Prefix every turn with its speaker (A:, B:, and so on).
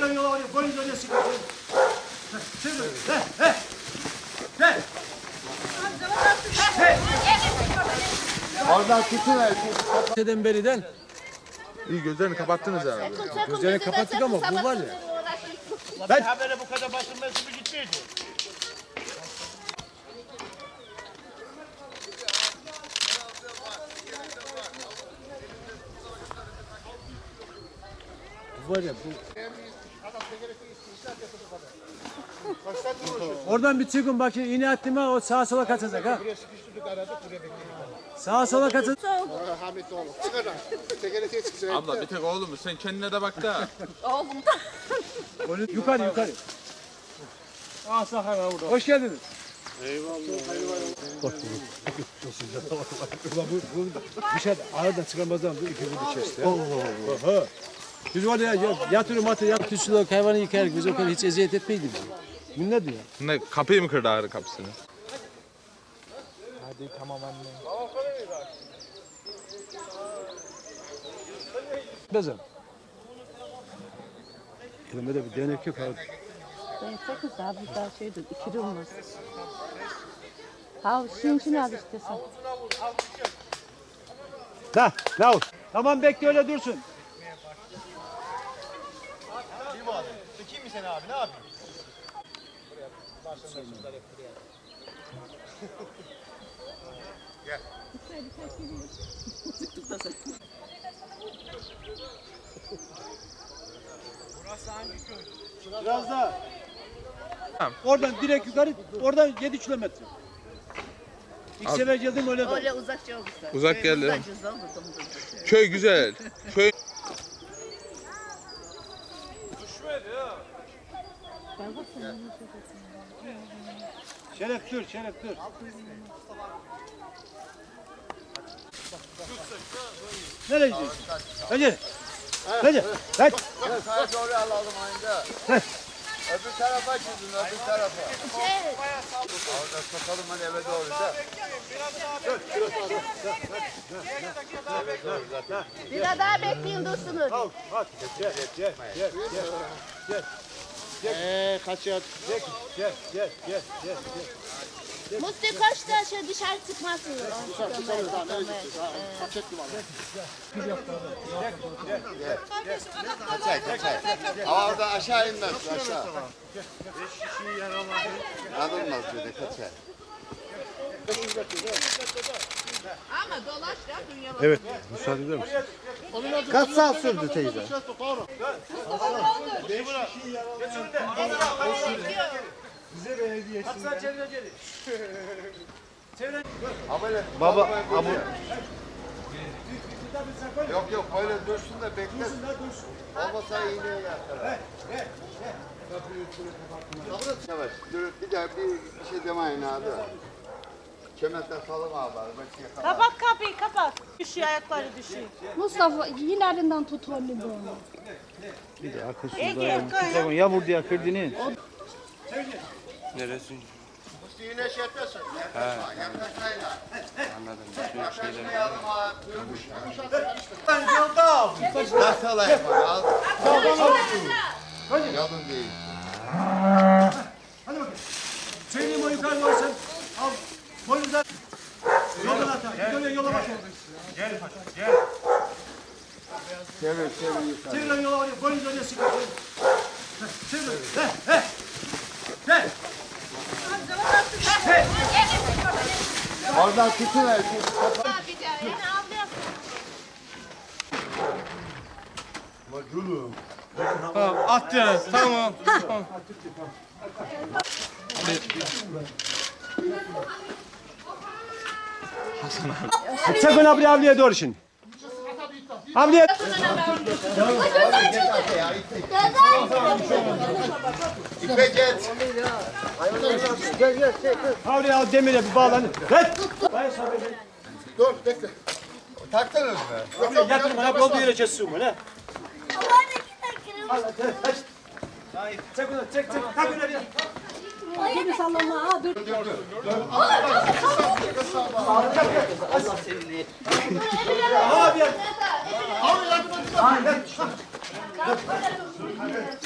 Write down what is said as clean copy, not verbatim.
A: Çevir yola oraya. Boyun oraya sıkı. Çevir. He.
B: Oradan tutuver.
A: Neden beriden?
C: İyi gözlerini kapattınız herhalde.
A: Gözlerini kapattık ama bu var ya.
D: Ben habere bu kadar basılması mı gitmeydi?
A: Bu var ya bu. Oradan bir çıkın bakayım. İğne attım ha o sağa sola kaçacak ha. Sağa sola kaçacak.
B: Hamit oğlum. Çıkar lan. Tekerleğe çıkacak.
C: Abla bir tek oğlum sen kendine de bak da.
A: Yukarı.
D: Ah Sahara burada.
A: Hoş geldiniz. Bu bir şey aradan çıkarmazdan bu iki bunu kesti. Allah. Biz var ya yatırım tüsülük hayvanı yıkarız. Biz o kadar hiç eziyet etmeydi bizi. Bu ne diyor?
C: Ne kapıyı mı kırdı ağrı kapısını?
D: Hadi tamam anne.
A: Bezem. Elimde bir denek yok abi.
E: Ben sakız abi daha şeydir, ikili olmaz. Ha, şunun al istiyorsan.
A: Da, ne ol? Tamam bekle öyle dursun.
D: Bir bu adam. Çekeyim mi seni abi ne yapayım?
A: Biraz daha.
C: Tamam.
A: Oradan direkt yukarı, oradan 7 kilometre. İlk sefer geldim öyle de.
F: Öyle uzakça olursa.
C: Uzak geldi.
F: Uzakça olursa.
C: Köy güzel. Köy
A: Şeref dur. Nereye gidiyorsun? Hadi. Hadi.
B: Sağa doğru alalım aynı. Öbür tarafa çizin, öbür tarafa. Orada sokalım hani eve doğru da.
F: Biraz daha bekleyin dursunuz.
A: Hadi. Gel.
B: Kaçıyor.
A: Gel.
F: Musti koş da şöyle dışarı çıkmasın.
B: Kaçay. Ama orada aşağı inmez, aşağı. Yanılmaz böyle, kaçay.
F: Ama dolaş ya dünya.
A: Evet, müsaade eder misin?
B: Kaç saat sürdü teyze? Baba, Yok böyle dursun da beklesin. Olmasa iğneye yatar. Yavaş, dur bir daha bir şey demeyin abi. Kemetle salım abi.
E: Kapat kapıyı, kapat. Düşüyor, ayakları düşüyor.
G: Mustafa ilerinden tut onu böyle.
E: Ege,
D: Yağmur diye kırdığını.
C: neresi?
B: Yine şey yapıyorsun. Nasıl alayım? Al. Yalın değil.
A: Hadi bakayım. Söyleyeyim o yukarı doğru sen. Al. Boynuzdan. Yoldan at. Git yola bak.
B: Çevir.
A: Çevir yola oraya. Boynuz oraya sıkı. Çevir. He.
B: Oradan tutuver.
C: Attınız tamam.
A: Sakın ablaya doğru şimdi. Ablaya.
B: İpe geç.
A: Ablaya al demire bir bağlan. Ver.
B: Dur bekle. Taktınız mı?
A: Yatırım bana olduğu yere kessin bunu. Çek onu çek. Kalk öyle.
G: Beni sallama ha dur.
A: Abi.